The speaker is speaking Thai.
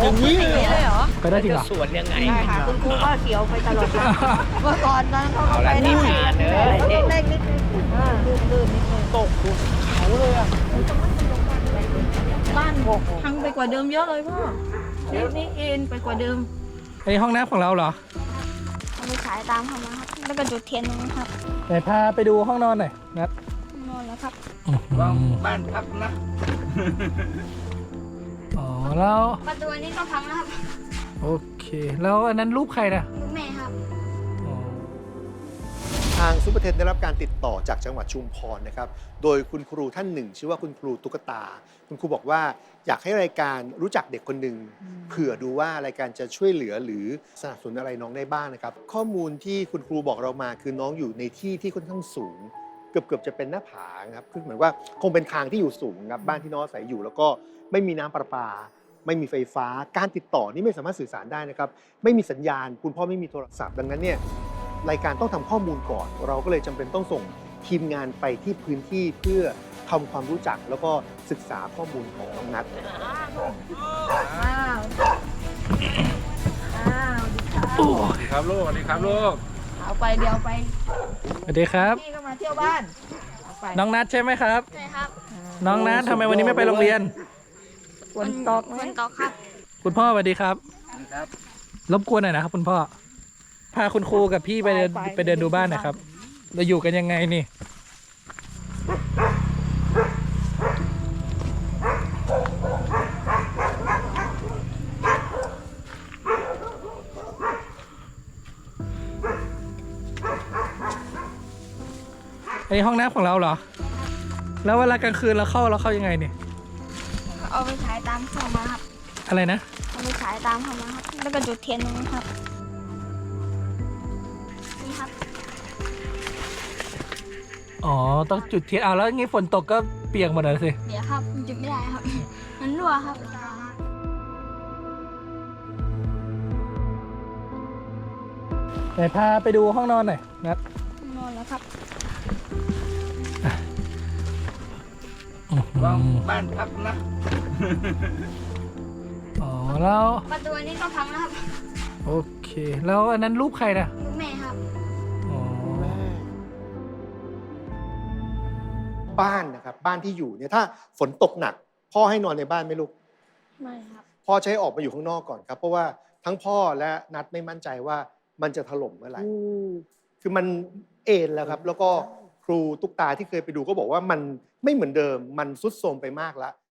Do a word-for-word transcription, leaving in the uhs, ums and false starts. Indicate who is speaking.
Speaker 1: อย่างนี้เลยเหรอ
Speaker 2: ไปได้จริงเหรอ
Speaker 3: จะสวนยังไง
Speaker 1: ใช่ค่ะคุณครูก็เขียวไปตลอดทางเมื่อก่อนนั้นเขาก็ไปได้แค่เล็กนิดนึงลื่นลื่นนิดนึง
Speaker 3: ตกภูเขาเลยอ่ะ
Speaker 1: บ้านบกพังไปกว่าเดิมเยอะเลยพ่อนี่นี่เอ็นไปกว่าเดิม
Speaker 2: อันนี้ห้องน้ำของเราเหรอ
Speaker 4: เอาไปฉายตามเขามาครับ แล้วก็จุดเทียนตรงนี้ครับ
Speaker 2: ไหนพาไปดูห้องนอนหน่อยนัด
Speaker 4: นอนแล้วครับ
Speaker 3: วางบ้านพักนะ
Speaker 2: อ๋อแล้ว
Speaker 4: ประตูอันนี้ก็พังแล้วครับ
Speaker 2: โอเค แล้วอันนั้นรูปใครนะ
Speaker 4: ลูกแม่ครับ
Speaker 2: อ๋อ
Speaker 5: ทางซุปเปอร์เทนได้รับการติดต่อจากจังหวัดชุมพรนะครับ โดยคุณครูท่านหนึ่ง ชื่อว่าคุณครูตุ๊กตา คุณครูบอกว่าอยากให้รายการรู้จักเด็กคนหนึ่งเผื่อดูว่ารายการจะช่วยเหลือหรือสนับสนุนอะไรน้องได้บ้างนะครับ ข้อมูลที่คุณครูบอกเรามาคือน้องอยู่ในที่ที่ค่อนข้างสูง เกือบเกือบจะเป็นหน้าผาครับคือเหมือนว่าคงเป็นทางที่อยู่สูงครับบ้านที่น้องอาศัยอยู่ แล้วก็ไม่มีน้ำประปา ไม่มีไฟฟ้า การติดต่อนี่ไม่สามารถสื่อสารได้นะครับ ไม่มีสัญญาณ คุณพ่อไม่มีโทรศัพท์ดังนั้นเนี่ยรายการต้องทำข้อมูลก่อน เราก็เลยจำเป็นต้องส่งทีมงานไปที่พื้นที่เพื่อทำความรู้จักแล้วก็ศึกษาข้อมูลของน้องนัท
Speaker 1: อ้าวอ้าวดีค่ะ
Speaker 2: โอ้
Speaker 3: สวัสดีครับลูกสวัสดีครับลูก
Speaker 1: เอาไปเดี๋ยวไป
Speaker 2: สวัสดีครับ
Speaker 1: พี่ก็มาเที่ยวบ้านเอาไป
Speaker 2: น้องนัทใช่ไหมครับ
Speaker 4: ใช่ครับ
Speaker 2: น้องนัททำไมวันนี้ไม่ไปโรงเรียน
Speaker 1: ฝนตกไหม
Speaker 4: ฝนตกครับ
Speaker 2: คุณพ่อสวัสดีครับ
Speaker 3: ครับ
Speaker 2: รบกวนหน่อยนะครับคุณพ่อ พาคุณครูกับพี่ไปเดินไปเดินดูบ้านหนะครับ เราอยู่กันยังไงนี่ อันนี้ห้องน้ำของเราเหรอ แล้วเวลากลางคืนเราเข้าเราเข้ายังไงเนี่ย
Speaker 4: เอาไปฉายตามเขามาครับ
Speaker 2: อะไรนะ
Speaker 4: เอาไปฉายตามเขามาครับ แล้วก็จุดเทียนตรงนี้ครับ นี่ครับ
Speaker 2: อ๋อ ต้องจุดเทียนเอาแล้วงี้ฝนตกก็เปียกหมดเลยสิ
Speaker 4: เดี๋ยวครับมันจุดไม่ได้ครับ มันรั่วครับ
Speaker 2: ไหนพาไปดูห้องนอนหน่อยนัด
Speaker 4: นอนแล้วครับ
Speaker 3: วางบ้านพักนะ
Speaker 2: อ๋อแล้ว
Speaker 4: ประตูอันนี้ก็พังแล้วครับ
Speaker 2: โอเค แล้วอันนั้นรูปใครนะ
Speaker 4: ลูกแม่ครับ
Speaker 2: อ๋อ
Speaker 5: บ้านนะครับบ้านที่อยู่เนี่ยถ้าฝนตกหนัก พ่อให้นอนในบ้านไหมลูก
Speaker 4: ไม่ครับ
Speaker 5: พ่อใช้ออกมาอยู่ข้างนอกก่อนครับ เพราะว่าทั้งพ่อและนัทไม่มั่นใจว่ามันจะถล่มเมื่อไหร่ คือมันเอ็นแล้วครับ แล้วก็ครูตุ๊กตาที่เคยไปดูก็บอกว่ามันไม่เหมือนเดิม มันทรุดโทรมไปมากแล้ว